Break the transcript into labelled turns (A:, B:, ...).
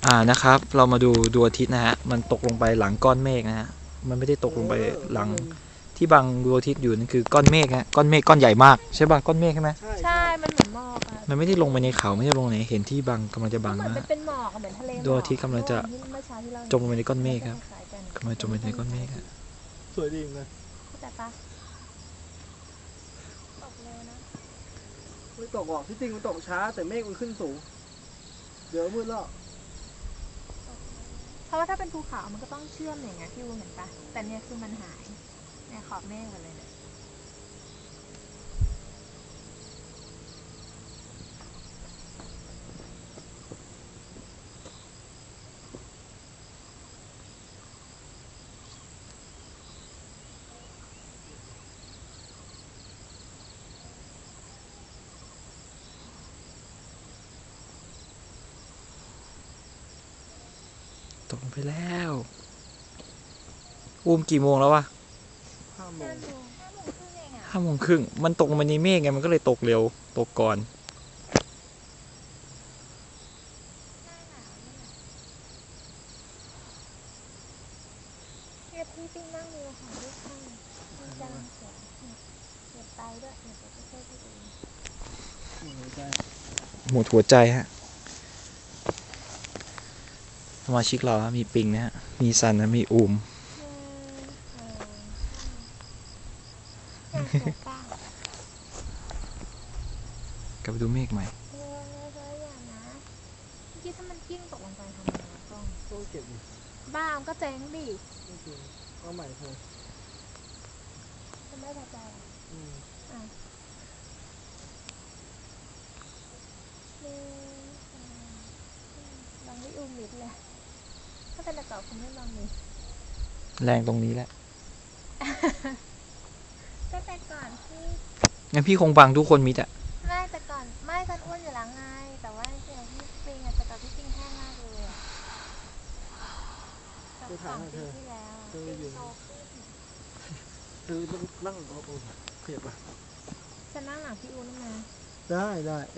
A: นะครับเรามาดูดวงอาทิตย์นะฮะมันตกลงไปหลังก้อนเมฆนะฮะมันไม่ได้ตกลงไปหลังที่บังดวงอาทิตย์อยู่นั่นคือก้อนเมฆฮะก้อนเมฆก้อนใหญ่มากใช่ป่ะก้อนเมฆใช่ไหม
B: ใช่มันเหมือนหมอกอะ
A: มันไม่ได้ลงไปในเขาไม่ได้ลงไหนเห็นที่บังกำลังจะบัง
B: เหมือน
A: นะ
B: เป็นหมอกเหมือนทะเล
A: ดวงอาทิตย์กำลังจะจมลงไปในก้อนเมฆครับกำลังจมลงไปในก้อนเมฆครับ
C: สวยดีนะ
B: แต่ปะตกเร็วนะ
C: ไม่ตกหรอกที่จริงมันตกช้าแต่เมฆมันขึ้นสูงเดี๋ยวมืดแล้ว
B: เพราะว่าถ้าเป็นภูเขามันก็ต้องเชื่อมอย่างเงี้ยพี่วูเห็นปะแต่เนี่ยคือมันหายเนี่ยขอบเมฆหมดเลยเนี่ย
A: ตกลงไปแล้วกี่โมงแล้ววะ
C: 5 โมง
A: 5 โมงครึ่งมันตกลงไปในเมฆไงมันก็เลยตกเร็วตกก่อน
B: เนี่ยพี่ปิ้งนั่งดูค่ะลูกข้างมันกำลังสวยเก็บไปด้วยเดี๋ยวจะช่วยพี่ดู
A: หมดหัวใจฮะสมาชิกเรามีปิงนะฮะมีซันนะมีอูมกลับไปดูเมฆใหม่
B: อย่างนะเมื่อกี้ถ้ามันกิ้งตกลงไปทำไง
C: ต้องเก็บดิ
B: บ้ามันก็เจ๊งดิ
C: ไม่จริงเอาใหม่เถอะ
B: จะไม่พอใจลองไม่อุ้มมิดเลยถ้าเป็นแต่เก่าคงไม่ลองมิด
A: แรงตรงนี้แหละ
B: ก็แต่ก่อนที่
A: งั้นพี่คงบังทุกคนมิดอะ
B: ไม่แต่ก่อนไม่ฉันอ้วนอยู่แล้วไงแต่ว่าจริงๆพี่ปิงอะแต่ก่อนพี่ปิงแห้งมากเลยอะ
C: จะถามเธอ
B: ที่แล้ว
C: เธออยู่เธอนั่งโอ้เพียบอ่ะ
B: ฉันนั่งหลังพี่อูนมา
C: ได้